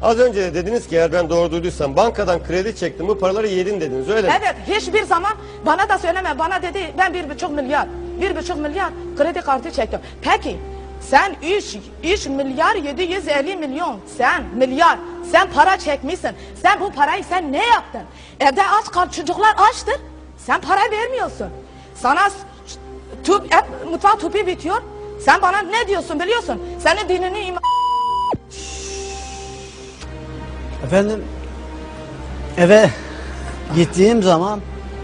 Az önce de dediniz ki eğer ben doğru duyduysam bankadan kredi çektim bu paraları yedin dediniz öyle mi? Evet, hiçbir zaman bana da söyleme. Bana dedi ben 1,5 milyar kredi kartı çektim. Peki sen 3 milyar 750 milyon sen para çekmişsin. Sen bu parayı sen ne yaptın? Evde aç kal, çocuklar açtır. Sen para vermiyorsun. Sana mutfak tüpü bitiyor. Sen bana ne diyorsun biliyorsun? Senin dinini Efendim, eve gittiğim zaman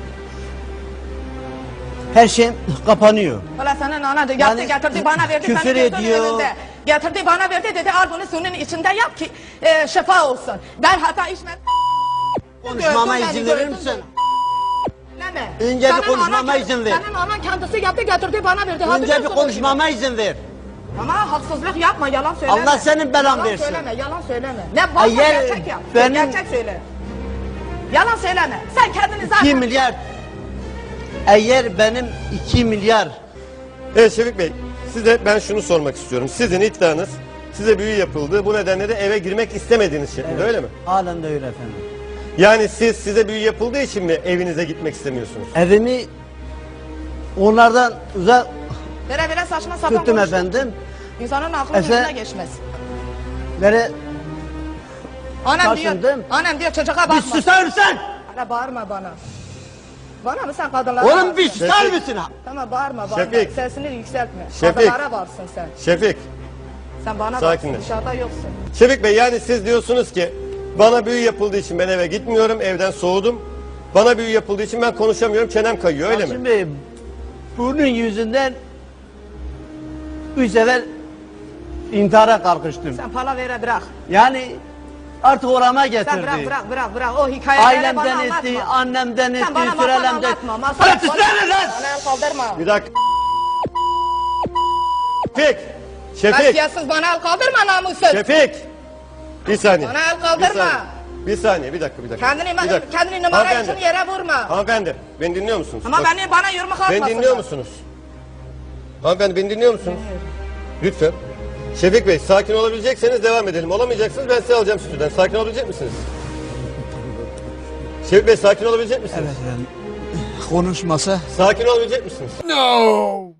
her şey kapanıyor. Valla senin ana yaptı Yani getirdi bana verdi. küfür senin gözünün ediyor. önünde. Getirdi bana verdi dedi al bunu suyun içinde yap ki şifa olsun. Ben hata içmedim. Konuşmama Gördün izin beni, verir gördün misin? Deme. Önce bir Senin konuşmama anan- izin ver. Senin anan kendisi yaptı getirdi bana verdi. Önce bir Hatırlıyorsun konuşmama izin ver. ama haksızlık yapma, yalan söyleme. Allah senin belan yalan versin. Söyleme, yalan söyleme. Ne varsa Eğer gerçek yap. benim- Gerçek söyle. Yalan söyleme. Sen kendini zaten... 2 milyar. Eğer benim 2 milyar. Evet Şefik Bey size ben şunu sormak istiyorum. Sizin iddianız size büyü yapıldı bu nedenle de eve girmek istemediğiniz şeklinde öyle mi? Halen de öyle efendim. Yani size büyü yapıldığı için mi evinize gitmek istemiyorsunuz? Evimi onlardan uzak Vere saçma sapan tuttum konuştun. efendim. İnsanın aklının Efe- önüne geçmez. Böyle Annem diyor, taşındım. annem diyor çocuğa bakma. bir susar mısın? Ana bağırma bana. Bana mı sen kadınlara Oğlum varsın? bir susar mısın? Tamam bağırma. Şefik. Sesini yükseltme. Şefik. Kadınlara varsın sen. Şefik, Sen bana Sakinleş. varsın, dışarıda yoksun. Şefik Bey yani siz diyorsunuz ki bana büyü yapıldığı için ben eve gitmiyorum, evden soğudum. Bana büyü yapıldığı için ben konuşamıyorum, çenem kayıyor öyle mi? Şimdi bunun yüzünden 3 sefer intihara kalkıştım. Sen palavere bırak. Yani artık orama getirdi. Sen bırak. O hikayeleri bana Ailemden anlatma. etti, annemden Sen etti, bana masal sürelemden. anlatma. Masal Bana susana lan! Bana el kaldırma. Bir dakika. Şefik, Şefik, Kasiyatsız bana el kaldırma namussuz. Şefik. Bir saniye. Bana el kaldırma. Bir saniye, bir dakika. Kendini numara Hanımefendi. için yere vurma. Hanımefendi, beni dinliyor musunuz? Ama Bak, bana yumruk atmasın. beni dinliyor musunuz? Hanımefendi beni dinliyor musunuz? Lütfen. Şefik Bey sakin olabilecekseniz devam edelim. Olamayacaksınız ben sizi alacağım stüdyodan. Sakin olabilecek misiniz? Şefik Bey sakin olabilecek misiniz? Evet efendim. Konuşmasa Sakin olabilecek misiniz? No!